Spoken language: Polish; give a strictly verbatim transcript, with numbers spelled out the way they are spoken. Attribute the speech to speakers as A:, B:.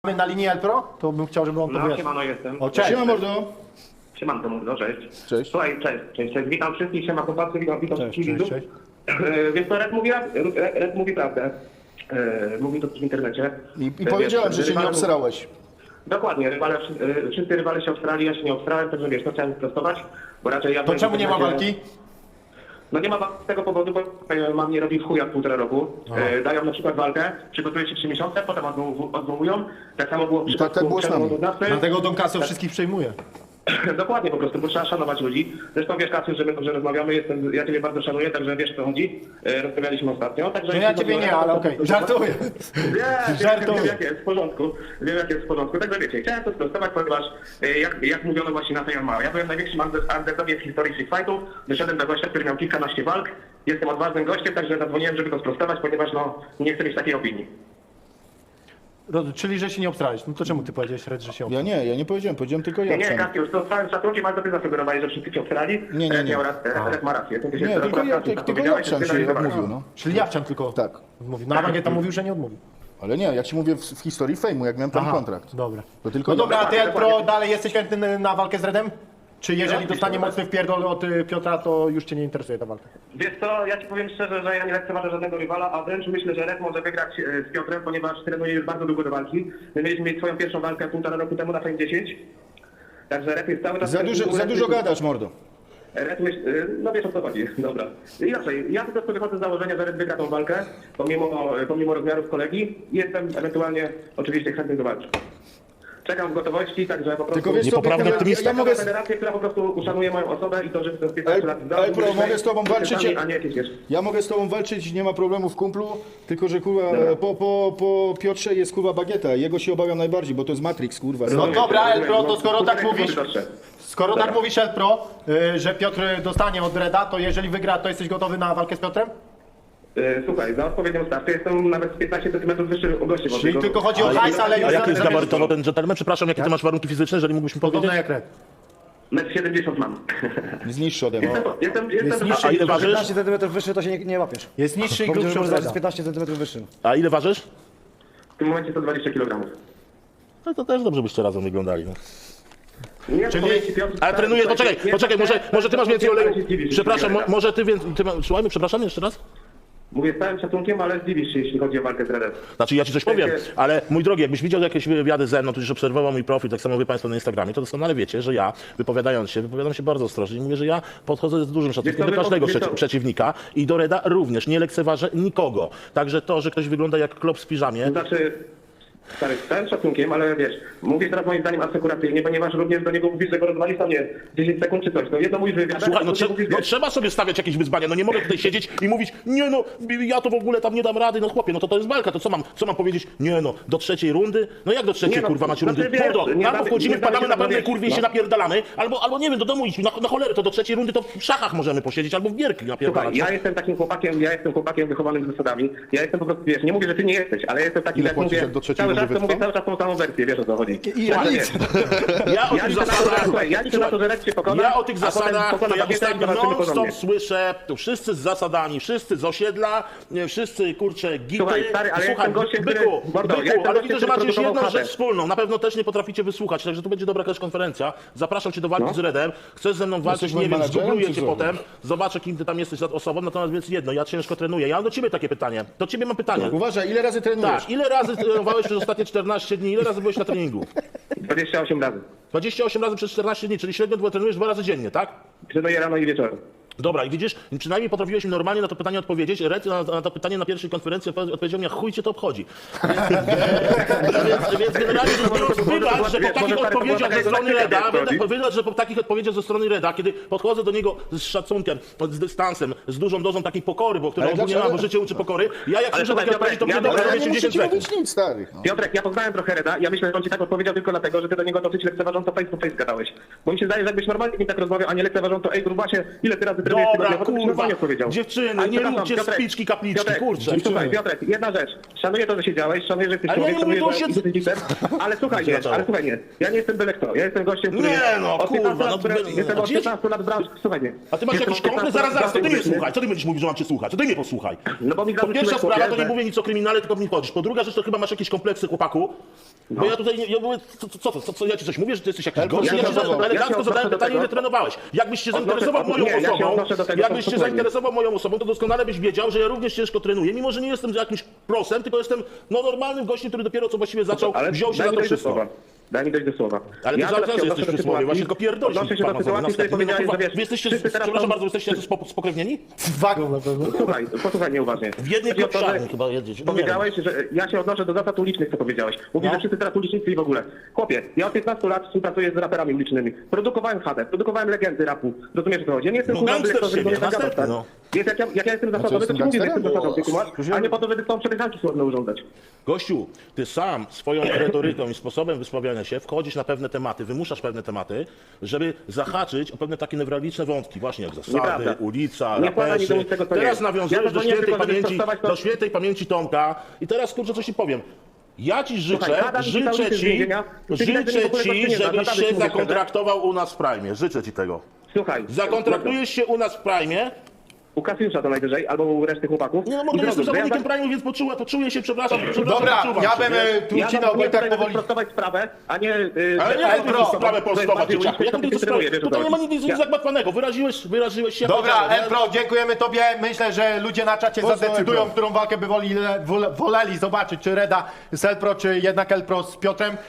A: Mamy na linii Elpro, to bym chciał, żeby on
B: No,
A: powiedział.
B: siemano jestem.
A: O, cześć.
C: Siema mordo.
B: Siemanko, mordo, cześć.
C: Cześć.
B: Słuchaj, cześć, cześć, cześć. Witam wszystkich, siema chłopacy, witam, witam
A: Cześć,
B: wszystkich
A: cześć,
B: widzów.
A: cześć.
B: E, Więc to Red mówi, Red, Red mówi prawdę. E, Mówi to też w internecie.
C: I, i
B: E,
C: powiedziałem,
B: wiesz,
C: że się nie
B: rywale-
C: obsrałeś.
B: Dokładnie, rywale, e, wszyscy rywale się obstrali, ja się nie obstrałem, także wiesz, to chciałem sprostować, bo raczej ja...
A: To
B: byłem
A: czemu
B: w
A: nie ma
B: internecie-
A: walki?
B: No nie ma walki z tego powodu, bo e, mam nie robi w chuja półtora roku. E, dają na przykład walkę, przygotuje się trzy miesiące, potem odwoł- odwołują. Tak samo było w
C: I tak- tak było z nami.
B: przypadku
A: Dlatego Don Casio wszystkich przejmuje.
B: Dokładnie, po prostu, bo trzeba szanować ludzi. Zresztą wiesz, Kasiu, że my dobrze rozmawiamy, jestem, ja Ciebie bardzo szanuję, także wiesz, o co chodzi. E, Rozmawialiśmy ostatnio, także...
A: No ja
B: jeśli
A: ciebie
B: chodzi o
A: nie,
B: Reda,
A: ale
B: to-
A: okej,
B: to-
A: żartuję.
B: Nie,
A: Żartuję.
B: wiem, jak jest, w porządku. Wiem, jak jest w porządku. Także wiecie, chciałem to sprostować, ponieważ e, jak, jak mówiono właśnie na tej Yamaha, ja byłem największym under- underdogiem w historii street fightów, wyszedłem do gościa, który miał kilkanaście walk, jestem odważnym gościem, także zadzwoniłem, żeby to sprostować, ponieważ no, nie chcę mieć takiej opinii.
A: Roz- Czyli, że się nie obstrałeś. No to czemu ty powiedziałeś, Red, że się
C: Ja
A: obstrałeś?
C: nie, ja nie powiedziałem, powiedziałem tylko
B: Nie,
C: ja.
B: nie,
C: sam.
B: Kasiusz, to z całym szacunkiem, ale to ty zasugerowałeś, że wszyscy cię obstrali.
C: Nie, nie,
B: Red
C: nie.
B: miał rację, Red ma rację. To ty się
C: Nie,
B: teraz
C: tylko ja,
B: raz
C: tylko, tylko
B: powiedziałeś,
C: Jawczan
B: że ty
C: się
B: na niego
C: odmówił, no.
A: Czyli Jawczan tylko
C: Tak.
A: odmówił. Na Bagieta mówił, że nie odmówił.
C: Ale nie, ja ci mówię w, w historii fejmu, jak miałem tam
A: Aha,
C: kontrakt.
A: dobra.
C: To tylko
A: No dobra, a ty
B: Dokładnie,
A: Elpro
B: dokładnie.
A: dalej jesteś chętny na walkę z Redem? Czy jeżeli
B: No,
A: dostanie
B: oczywiście.
A: mocny wpierdol od y, Piotra, to już cię nie interesuje ta walka?
B: Wiesz co, ja ci powiem szczerze, że ja nie lekceważę żadnego rywala, a wręcz myślę, że Red może wygrać e, z Piotrem, ponieważ trenuje już bardzo długo do walki. My mieliśmy mieć swoją pierwszą walkę półtora roku temu na Fame dziesięć. Także Red jest cały czas...
C: Za dużo, za dużo gadasz, mordo.
B: Red myśl, e, no wiesz o co chodzi, dobra. Inaczej, ja po prostu wychodzę z założenia, że Red wygra tą walkę, pomimo, pomimo rozmiarów kolegi i jestem ewentualnie oczywiście chętny do walki. Czekam w gotowości, także po prostu...
C: Tylko wiesz co,
D: Niepoprawny
C: ja,
D: optymista.
C: ja, ja mogę...
B: Federację, która po prostu uszanuje moją osobę i to, że przez piętnaście
C: El-
B: lat...
C: Elpro, mogę z tobą walczyć?
B: A nie jakieś, wiesz...
C: Ja mogę z tobą walczyć, nie ma problemu w kumplu, tylko że kurwa, po, po, po Piotrze jest kurwa Bagieta, jego się obawiam najbardziej, bo to jest Matrix, kurwa.
A: No dobra, Elpro, to
B: No,
A: skoro tak
B: półtorej
A: mówisz,
B: sekundy doszedł.
A: skoro tak mówisz Elpro, y, że Piotr dostanie od Reda, to jeżeli wygra, to jesteś gotowy na walkę z Piotrem?
B: E, Słuchaj, za odpowiednią stawkę jestem nawet z piętnaście centymetrów wyższy od gości.
A: Czyli tylko chodzi o hajs, ale już...
D: A jaki jest
A: za-
D: gabarytowo ten gentleman? Przepraszam, jakie ty masz warunki fizyczne, jeżeli mógłbyś mi
A: Podobno
D: powiedzieć?
A: jak Red.
B: metr siedemdziesiąt mam.
C: Jest niższy ode mnie.
B: Jestem, jestem, jestem
A: niższy
D: A ile ważysz?
E: piętnaście centymetrów wyższy to się nie, nie łapiesz.
A: Jest niższy i
E: Bo
A: grubszy
E: może
A: od
E: zawsze
A: Reda.
E: piętnaście centymetrów wyższy.
D: A ile ważysz?
B: w tym momencie sto dwadzieścia kilogramów.
D: No to też dobrze byście razem wyglądali. No.
B: Nie,
A: Czyli-
B: powiem ci, Piotr,
D: Ale trenuję,
B: słuchaj,
D: poczekaj,
B: nie-
D: poczekaj, może, może ty masz więcej
B: ale
D: oleju.
B: się zdziwisz,
D: Przepraszam, mo,
B: jeśli
D: może ty więcej... Ty ma, słuchajmy, przepraszam jeszcze raz?
B: Mówię z całym szacunkiem, ale zdziwisz się, jeśli chodzi o walkę z Redem.
D: Znaczy ja ci coś powiem, ale mój drogi, jakbyś widział jakieś wywiady ze mną, tudzież obserwował mój profil, tak samo wy państwo na Instagramie, to doskonale wiecie, że ja, wypowiadając się, wypowiadam się bardzo ostrożnie i mówię, że ja podchodzę z dużym szacunkiem
B: Wiesz
D: do
B: co,
D: każdego
B: wiesz co?
D: przeci- przeciwnika i do Reda również, nie lekceważę nikogo. Także to, że ktoś wygląda jak klop w piżamie,
B: Znaczy, stary, z całym szacunkiem, ale wiesz, mówię teraz moim zdaniem asekuracyjnie, ponieważ również do niego mówisz, że go rozwalisz tam, nie, dziesięć sekund czy coś. No jedno mówisz wywiad,
D: słuchaj, no, trze- no trzeba sobie stawiać jakieś wyzwania, no nie mogę tutaj siedzieć i mówić, nie no, ja to w ogóle tam nie dam rady, no chłopie, no to to jest walka, to co mam, co mam powiedzieć, nie no, do trzeciej rundy? No jak do trzeciej,
B: Nie no,
D: kurwa, macie
B: no
D: rundy?
B: ty wiesz,
D: Mordo,
B: nie
D: albo
B: damy-
D: wchodzimy,
B: nie damy
D: wpadamy
B: się
D: na pewnej
B: rozmawiać,
D: kurwie i się
B: no.
D: napierdalamy, albo, albo nie wiem, do domu idź, na, na cholerę, to do trzeciej rundy to w szachach możemy posiedzieć, albo w gierki napierdalać.
B: Słuchaj, ja jestem takim chłopakiem, ja jestem chłopakiem wychowanym z zasadami. Ja jestem po prostu, wiesz, nie mówię, że ty nie jesteś, ale jestem taki,
C: Ile
B: jak
C: płacisz,
B: mówię,
C: jak do trzeciej
B: cały czas
C: rundy
B: to mówię
C: wytrwam?
B: cały czas tą samą wersję, wiesz o co chodzi.
C: I
B: Ja
C: ja
B: to
C: nic.
B: wiesz.
D: Ja o
B: Ja
D: tych
B: liczę na to,
D: zasadach,
B: że- słuchaj, ja liczę na to, że Red się pokona,
D: ja o tych
B: a potem
D: zasadach,
B: pokona
D: to ja
B: Bagietę i
D: ostatnio
B: zobaczymy
D: non-stop
B: porządnie.
D: słyszę, to wszyscy z zasadami, wszyscy z osiedla, nie, wszyscy, kurczę, gity.
B: Słuchaj, stary, ale ja
D: Słuchaj,
B: jestem gościem, który-
D: byku,
B: Mordo, ja
D: byku,
B: jestem
D: ale
B: gościem,
D: widzę, że
B: który
D: macie już jedną
B: produkował
D: rzecz
B: chatę.
D: wspólną, na pewno też nie potraficie wysłuchać, także tu będzie dobra jakaś konferencja. Zapraszam cię do walki
B: No.
D: z Redem, chcesz ze mną walczyć,
C: Jesteś
D: nie
C: moim
D: wiem,
C: menadżerem,
D: zgoogluję
C: czy
D: cię
C: co?
D: potem, zobaczę, kim ty tam jesteś za osobą, natomiast więc jedno, ja ciężko trenuję. Ja mam do ciebie takie pytanie, do ciebie mam pytanie.
C: Uważaj, ile razy trenujesz?
D: Tak, ile razy trenowałeś przez ostatnie czternaście dni, ile razy byłeś na treningu?
B: dwadzieścia osiem razy.
D: dwadzieścia osiem razy przez czternaście dni, czyli średnio trenujesz dwa razy dziennie, tak?
B: Trenuję rano i wieczorem.
D: Dobra, i widzisz, przynajmniej potrafiłeś mi normalnie na to pytanie odpowiedzieć. Red na, na to pytanie na pierwszej konferencji odpowiedział- odpowiedział mi, a chuj cię to obchodzi. więc, więc generalnie rzecz biorąc, wybacz, że po takich odpowiedziach ze strony Reda, wybacz, że po takich odpowiedziach ze strony Reda, kiedy podchodzę do niego z szacunkiem, z dystansem, z dużą dozą takiej pokory, bo która
C: Ale
D: ogólnie
C: dlaczego-
D: ma, bo życie uczy pokory, ja jak
B: Ale
D: słyszę takie
B: słuchaj,
D: odpowiedzi, to
B: ja-
D: mówię, dobra,
B: ja
C: Ale ja nie muszę
D: osiemdziesiąt
C: ci
D: sekund.
C: mówić nic, stary. No.
B: Piotrek, ja poznałem trochę Reda, ja myślę, że on ci tak odpowiedział tylko dlatego, że ty do niego dosyć lekceważąco face to face gadałeś. Bo mi się zdaje, że jakbyś normalnie z nim tak rozmawiał, a nie lekceważąco, ej grubasie, ile ty razy trenujesz
D: Dobra,
B: tygodniowo, to byś
D: kurwa,
B: normalnie odpowiedział.
D: dziewczyny,
B: Ale
D: nie
B: przepraszam,
D: róbcie
B: Piotrek,
D: spiczki, kapliczki,
B: Piotrek,
D: kurczę.
B: Słuchaj, Piotrek, jedna rzecz. Szanuję to, że siedziałeś, szanuję, że jesteś
D: Ale ja
B: człowiek,
D: nie mówię
B: szanuję,
D: o
B: że
D: siedz-
B: jesteś dzikiem, ale słuchaj, wiesz,
D: stało.
B: Ale słuchaj, nie, ja nie jestem byle kto, ja jestem gościem, który...
D: Nie,
B: jest
D: no,
B: od
D: kurwa,
B: piętnastu
D: no,
B: lat, który-
D: byle-
B: Jestem
D: a
B: od
D: gdzie-
B: piętnastu lat w branży, słuchaj, nie.
D: A ty masz
B: Jestem
D: jakiś
B: od
D: komplet?
B: piętnastu
D: Zaraz,
B: lat
D: zaraz, to ty mnie
B: branży
D: słuchaj. Co ty będziesz mówił, że mam cię słuchać? Co ty mnie posłuchaj.
B: No bo mi
D: Po
B: zarzuciłeś,
D: pierwsza sprawa,
B: chłopie,
D: to nie
B: że-
D: mówię nic o kryminale, tylko mi chodzisz. Po druga rzecz, to chyba masz jakieś kompleksy, chłopaku. Bo ja tutaj, nie, ja mówię, co, co, co, co, co, ja ci coś mówię, że ty jesteś jakiś gość?
C: ja
D: Ja
C: się
D: ci za-
C: odnoszę-
D: elegancko
B: ja się
D: zadałem
B: odnoszę do
D: pytanie,
B: tego.
D: ile trenowałeś. Jakbyś się
B: Odnoszę-
D: zainteresował moją
B: nie, ja się
D: osobą,
B: odnoszę do tego
D: jakbyś się
B: spokojnie.
D: zainteresował moją osobą, to doskonale byś wiedział, że ja również ciężko trenuję, mimo że nie jestem jakimś prosem, tylko jestem no, normalnym gościem, który dopiero co właściwie zaczął,
B: Ale
D: wziął się
B: daj
D: za
B: mi
D: to
B: dojść do
D: wszystko.
B: słowa. Daj mi dojść do słowa.
D: Ale ty
B: Ja
D: cały
B: teraz
D: czas
B: się
D: jesteś
B: odnoszę do
D: przy słowie,
B: sytuacji-
D: właśnie tylko pierdolisz.
B: Odnoszę się do
D: panowie,
B: sytuacji, w której
D: na
B: powiedziałeś,
D: no,
B: że wiesz...
D: Wy jesteście,
B: wszyscy teraz
D: przepraszam
B: są-
D: bardzo, jesteście spo- spokrewnieni?
A: Wagą na pewno.
B: Słuchaj, posłuchaj mnie uważnie.
D: W jednej
B: Chodzi o to, że
D: kopszarni chyba jedziecie. No nie wiem.
B: Powiedziałeś, że ja się odnoszę do zasad ulicznych, co powiedziałeś. Mówisz,
D: No.
B: że wszyscy teraz ulicznicy i w ogóle. Chłopie, ja od piętnastu lat współpracuję z raperami ulicznymi. Produkowałem H D, produkowałem legendy rapu. Rozumiesz, o co chodzi? Ja nie jestem
D: No,
B: kurwa
D: gangster
B: dyrektorem,
D: z siebie,
B: żeby nie
D: następny,
B: zagadać,
D: no.
B: tak? Więc jak ja, jak ja jestem zasadowy, to
C: jestem
B: ci mówię, że
C: gangsterem?
B: jestem zasadowy, kumasz, a nie po to, żeby tą przepychanki słowne urządzać.
D: Gościu, ty sam swoją retoryką i sposobem wysławiania się wchodzisz na pewne tematy, wymuszasz pewne tematy, żeby zahaczyć o pewne takie newralgiczne wątki, właśnie jak zasady,
B: Nieprawda.
D: ulica,
B: Nie wkładaj mi do
D: raperzy.
B: ust tego, co nie
D: Teraz
B: jest. Ja
D: nawiązujesz
B: to
D: do
B: nie
D: świętej
B: tylko, żeby
D: pamięci,
B: sprostować to-
D: do świętej pamięci Tomka i teraz kurczę coś ci powiem. Ja ci życzę,
B: Słuchaj, Adam i cały
D: życzę
B: czas z
D: ci,
B: więzienia, ty
D: życzę
B: nigdy w ogóle
D: ci,
B: nie znasz,
D: żebyś
B: naprawdę
D: się
B: ci mówię
D: zakontraktował u nas w Prime. Życzę ci tego.
B: Słuchaj,
D: Zakontraktujesz się u nas w Prime.
B: u Kasiusza to najwyżej, albo u reszty chłopaków.
D: Nie no,
B: I
D: mogę, jestem
B: zrobię, że ja
D: zawodnikiem
B: tak-
D: Prime, więc poczułem, poczuję się, przepraszam, przepraszam,
A: Dobra,
D: wyczuwam
A: ja
D: się,
A: bym
D: wiesz?
A: e, tu
B: Ja
A: ucinał,
B: zadzwonię
A: bo tak
B: tutaj, żeby
A: powoli...
B: sprostować sprawę, a nie... Yy,
D: Ale nie
A: Ale
D: mogę
A: pro,
D: tę sprawę prostować,
B: bardziej
D: dzieciaku. Jak
B: uliczny,
D: mogę tę
B: to
D: sprawę?
B: wiesz, o co
D: Tutaj nie ma nic, nic
B: chodzi.
D: zagmatwanego. Wyraziłeś, wyraziłeś się.
A: Dobra,
D: powiedziałem, nie?
A: Elpro, dziękujemy tobie. Myślę, że ludzie na czacie
C: Mocno,
A: zadecydują,
C: Elpro.
A: którą walkę by woli, wole- woleli zobaczyć, czy Reda z Elpro, czy jednak Elpro z Piotrem.